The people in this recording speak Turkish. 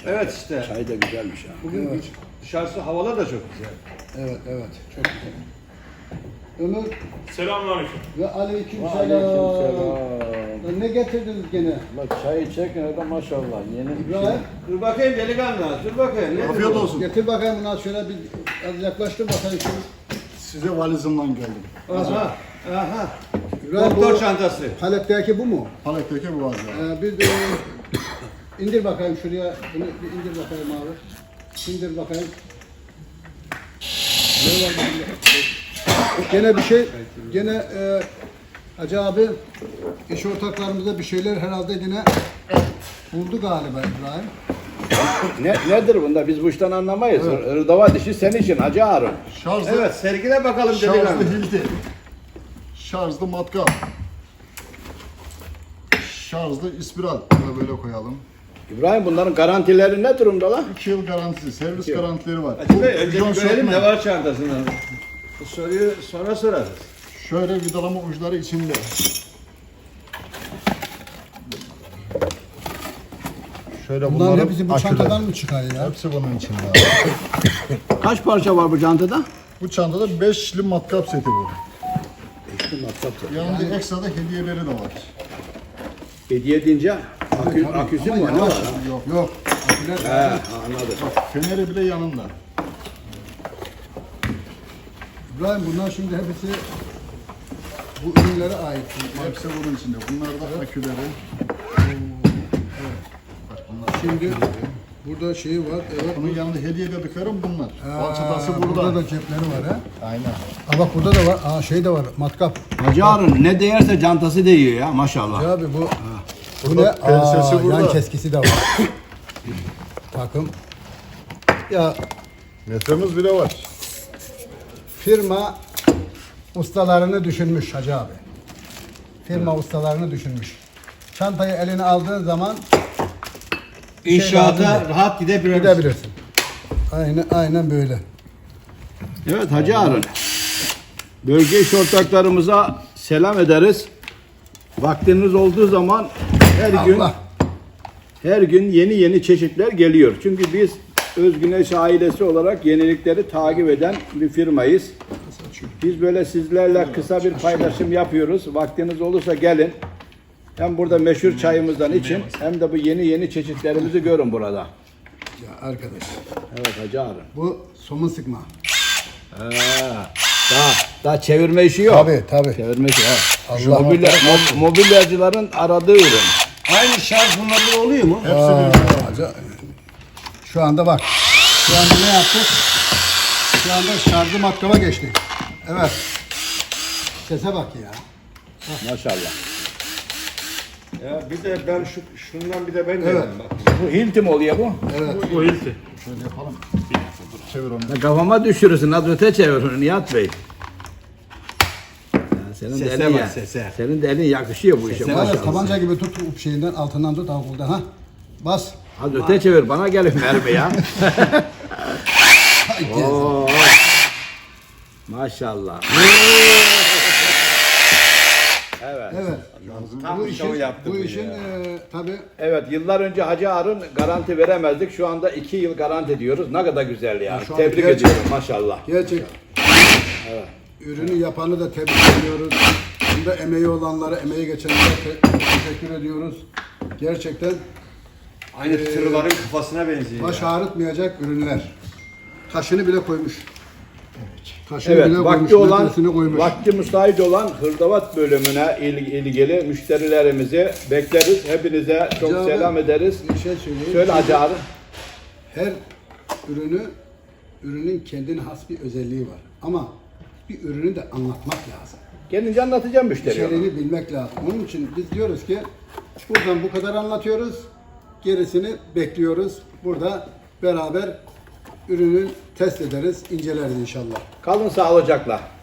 Evet işte. Çay da güzelmiş ha. Bugün Evet. dışarısı havalar da çok güzel. Evet, evet. Çok güzel. Ömür Selamünaleyküm. ve aleykümselam. Aleykümselam. Ne getirdiniz gene? Bak çayı çekin öyle maşallah. Yeni bir şey. İbrahim, Dur bakayım delikanlı, dur bakayım. Nedir Afiyet bu? olsun. getir bakayım buna şöyle bir az yaklaştır bakayım. Size valizimden geldim. Aha, aha. İbrahim, Doktor bu çantası. Palet'teki bu mu? Paletteki bu valiz. Bir indir bakayım şuraya. Bunu bir indir bakayım abi. İndir bakayım. Ne var bunda? Gene bir şey, gene Hacı abi iş ortaklarımıza bir şeyler herhalde yine buldu galiba İbrahim. Nedir bunda? Biz bu işten anlamayız. Hırdava dişi senin için Hacı Harun. Şarjlı, Evet, sergile bakalım delikanlı. şarjlı hilti. Şarjlı matkap. Şarjlı ispiral. Bunu da böyle koyalım. İbrahim bunların garantileri ne durumda lan? 2 yıl garantisi, servis garantileri var. Hacı Bey, önce John bir görelim Shopman. ne var çantasında. Bu soruyu sonra sorarız. Şöyle vidalama uçları içinde. Şöyle Bunların bunların hepsi bu aküleri. çantadan mı çıkar ya? Hepsi bunun içinde. Kaç parça var bu çantada? Bu çantada 5'li matkap seti bu. Yanında ekstra da hediyeleri de var. Hediye deyince aküsü mü var? Ne var? Yok. Yok. He, anladım. Feneri bile yanında. İbrahim bunlar şimdi hepsi bu ürünlere ait. Hepsi bunun içinde. Bunlar da aküleri. Şimdi burada şeyi var. Evet. Bunun yanında hediye dediklerim bunlar. Ha, Falçatası burada. Burada da cepleri var ha. Aynen. Ha bak burada da var. Aa şey de var. Matkap. Hacı Harun ne değerse çantası değiyor ya maşallah. Ya abi bu bu ne? Burada pensesi Aa, burada. yan keskisi de var. Takım. Ya Metremiz bile var. firma ustalarını düşünmüş Hacı abi. Firma ustalarını düşünmüş. Çantayı eline aldığın zaman İnşaata lazım rahat gidebiliriz. gidebilirsin. Aynen böyle. Evet Hacı Harun. Bölge iş ortaklarımıza selam ederiz. Vaktiniz olduğu zaman Allah. her gün yeni çeşitler geliyor. Çünkü biz Özgüneş ailesi olarak yenilikleri takip eden bir firmayız. Biz böyle sizlerle kısa bir paylaşım yapıyoruz. Vaktiniz olursa gelin. Hem burada meşhur çayımızdan için hem de bu yeni çeşitlerimizi görün burada. Ya arkadaş. Evet Hacı Harun. Bu somun sıkma. Daha çevirme işi yok. Tabii. Çevirme işi yok. Allah Mobilyacıların aradığı ürün. Aynı şarj bunlarda oluyor mu? Hepsi birbirine. Şu anda bak. Şu anda ne yaptık? Şu anda şarjı matkaba geçtik. Evet. Sese bak ya. Maşallah. Ya bir de ben şundan bir de ben Evet. deneyim bak. Bu Hilti mi oluyor bu? Bu hilti. Şöyle yapalım. Çevir onu. Ya kafama düşürürsün. Az öte çevir onu Nihat Bey. Ya senin Sese de elin bak, ya. sese. Senin de elin yakışıyor bu işe Sese Var ya maşallah. tabanca gibi tut şeyinden altından tut ampulden ha. Bas. Az öte çevir bana gelin mermi ya. Oo. Maşallah. Evet. Evet. Tam Bu bir işin, şov yaptı bu bu işin ya. tabii Evet yıllar önce Hacı Harun garanti veremezdik. Şu anda 2 yıl garanti diyoruz. Ne kadar güzel ya. şu an Tebrik gerçekten- ediyorum maşallah. gerçek. Ürünü yapanı da tebrik ediyoruz. Bunda emeği olanlara, emeği geçenlere teşekkür ediyoruz. Gerçekten Aynı tırların kafasına benziyor. baş ağrıtmayacak ürünler. Taşını bile koymuş. Taşını Evet, bile koymuş, vakti olan, metresini koymuş. vakti müsait olan hırdavat bölümüne ilgili müşterilerimizi bekleriz. Hepinize çok Hacı abi, selam ederiz. Bir şey söyleyeyim. Söyle Hacı abi. Her ürünün kendine has bir özelliği var. Ama bir ürünü de anlatmak lazım. Gelince anlatacağım müşteriye. İçeriğini bilmek lazım. Onun için biz diyoruz ki buradan bu kadar anlatıyoruz. Gerisini bekliyoruz. Burada beraber ürünü test ederiz, inceleriz inşallah. Kalın sağlıcakla.